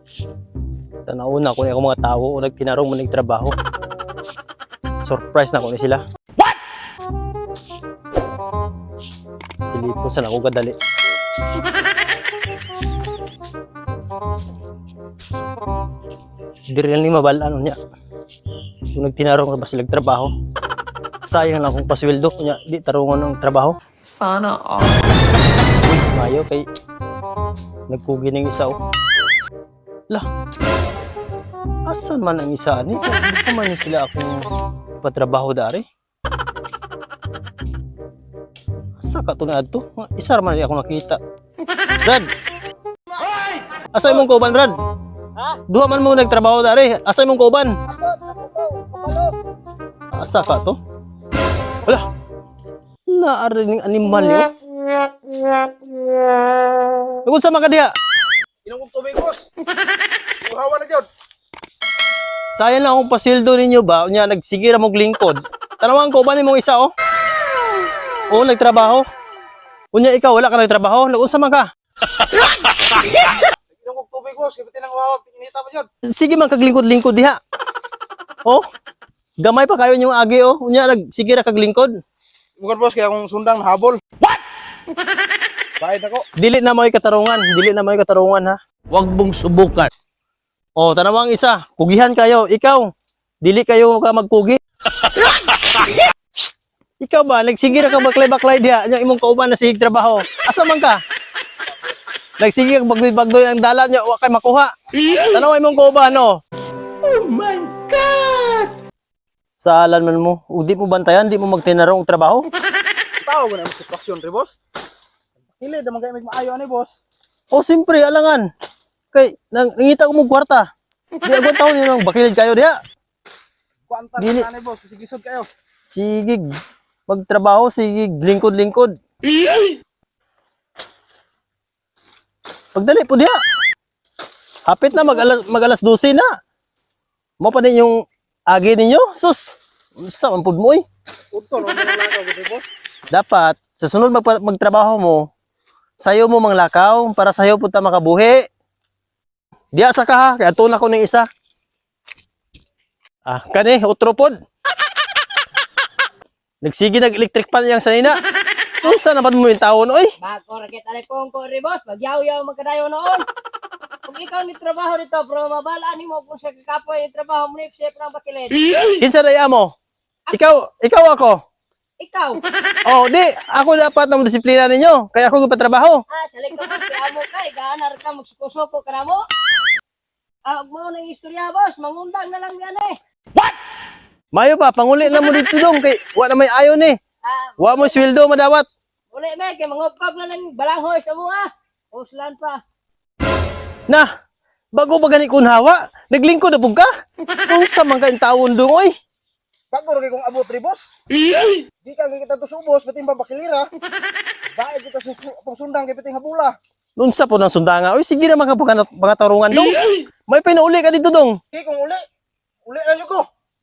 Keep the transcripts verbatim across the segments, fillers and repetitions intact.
Sa nauna ko na ako mga tao o nagtinarong mo nagtrabaho. Surprise na ko ni sila. What? Silipo sa ako kadali. Di rin ni mabalaan niya. Kung nagtinarong ka ba sila trabaho. Sayang lang kung pasweldo niya, di tarungan ng trabaho. Sana all. Uy, mayo kay nagpugi ng isa oh. Lah, asan man ang isa ni? Hindi ko man sila akong patrabaho dari. Asa ka to na adto? Isa man ako nakita. Brad! Asa imong kauban, Brad? Ha? Duha man mo nagtrabaho dari. Asa imong kauban? Asa ka to? Wala. Naari ning animal yo. Tungod sa mga diha. Inom kong tubig, boss. Uhawa na dyan. Sayang lang akong pasildo ninyo ba? Unya nagsigira mong lingkod. Tanawang ko ba nimong isa oh? Oo, nagtrabaho. Unya ikaw wala ka nagtrabaho. Nag-unsa man ka? Inom kong tubig, boss. Kapitin ang uhawa. Pinita pa dyan. Sige man kaglingkod-lingkod diha. Oh. Gamay pa kayo yung agi oh. Unya nagsigira kag lingkod. Bukan, boss. Kaya akong sundang nahabol. What? Kahit ako. Dili na mo katarungan, dili na mo katarungan ha. Huwag mong subukan. Oh, tanawang isa. Kugihan kayo. Ikaw. Dili kayo ka magkugi. Ikaw ba nagsigira ka baklay-baklay diha nya imong kauban na sig trabaho. Asa man ka? Nagsigir bagdoy-bagdoy ang dalan nya wa kay makuha. Tanaw imong kauban no. Oh my God! Saalan man mo, o di mo bantayan, di mo magtinarong trabaho. Tao ko na yung sitwasyon, re, boss. Hili, damang kayo maayo ani, boss. O simpre, alangan. Kay, nang, nangita ko mo kwarta. Di agad taon yun ang bakilid kayo diha. Kuanta Dili. na ani, boss. Sigisod kayo. Sigig, magtrabaho, sigig, lingkod-lingkod. Pagdali po diha. Hapit na, mag-alas, mag-alas dose na. Mo pa din yung agi ninyo? Sus, saan po mo eh. Punto, no? Mga lakaw, re, boss. Dapat, sa sunod mag magtrabaho mo, sayo mo manglakaw para sayo punta makabuhi. Diya sa ka ha, kaya tuna ko ng isa. Ah, kani, utropod. Nagsige nag-electric pan yang sanina. Kung saan naman mo yung taon, oy? Bago rakit alipong ko rin, boss. Magyaw-yaw magkadayo noon. Kung ikaw ni trabaho dito, pero mabalaan mo kung sa kakapoy ni trabaho mo ni Siyempre ng bakilid. Kinsa daya mo? Ikaw, ikaw ako. Ikaw. Oh, di, ako dapat na disiplina ninyo. Kaya ako patrabaho. Ah, salik ka boss. Kaya mo ka. Igaanar ka magsuko-suko ka na mo. Ah, huwag mo ng istorya, boss. Mangundang na lang yan eh. Mayo pa, panguli na mo dito dong. Kay, wa na may ayon eh. Ah, Wa mo sweldo madawat. uli me. Kaya mangupag na lang balanghoy sa mga. Uslan pa. Na, bago ba gani kunhawa, naglingkod na pug ka. Kung sa man kain taon dong, oy. Bago rin kong abot, re, boss. Di ka kita to subos, bating babakilira. Dahil kita sa pang sundang, kaya bating habula. Noon sa po ng sundanga, oy, sige na mga mga tarungan dong. May pinauli ka dito dong. Okay, kung uli. Uli na nyo ko.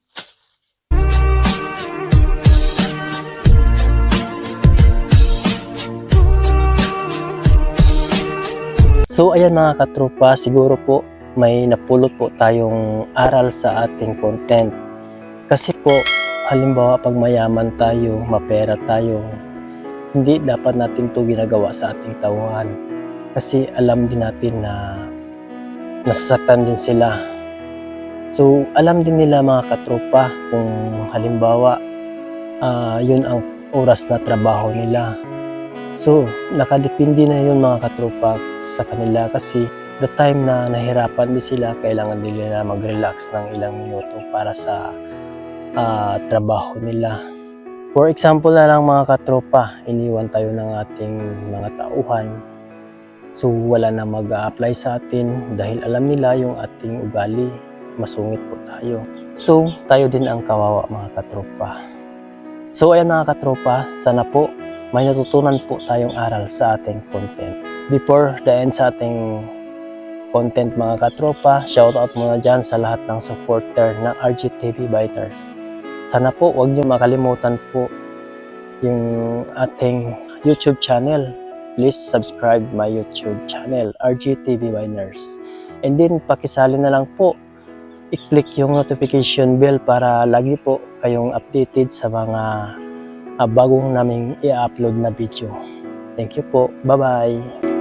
So ayan mga katropa, siguro po may napulot po tayong aral sa ating content. Kasi po, halimbawa pag mayaman tayo, mapera tayo, hindi dapat natin to ginagawa sa ating tauhan. Kasi alam din natin na nasasaktan din sila. So alam din nila mga katropa kung halimbawa uh, yun ang oras na trabaho nila. So, nakadepende na yun mga katropa sa kanila kasi the time na nahirapan din sila, kailangan din nila mag-relax ng ilang minuto para sa uh, trabaho nila. For example na lang mga katropa, iniwan tayo ng ating mga tauhan. So, wala na mag-a-apply sa atin dahil alam nila yung ating ugali, masungit po tayo. So, tayo din ang kawawa mga katropa. So, ayan mga katropa, sana po may natutunan po tayong aral sa ating content. Before the end sa ating content mga katropa, shoutout muna dyan sa lahat ng supporter ng R G T V Biters. Sana po huwag niyo makalimutan po yung ating YouTube channel. Please subscribe my YouTube channel, R G T V Biters. And then, pakisali na lang po. I-click yung notification bell para lagi po kayong updated sa mga uh, bagong naming i-upload na video. Thank you po. Bye-bye.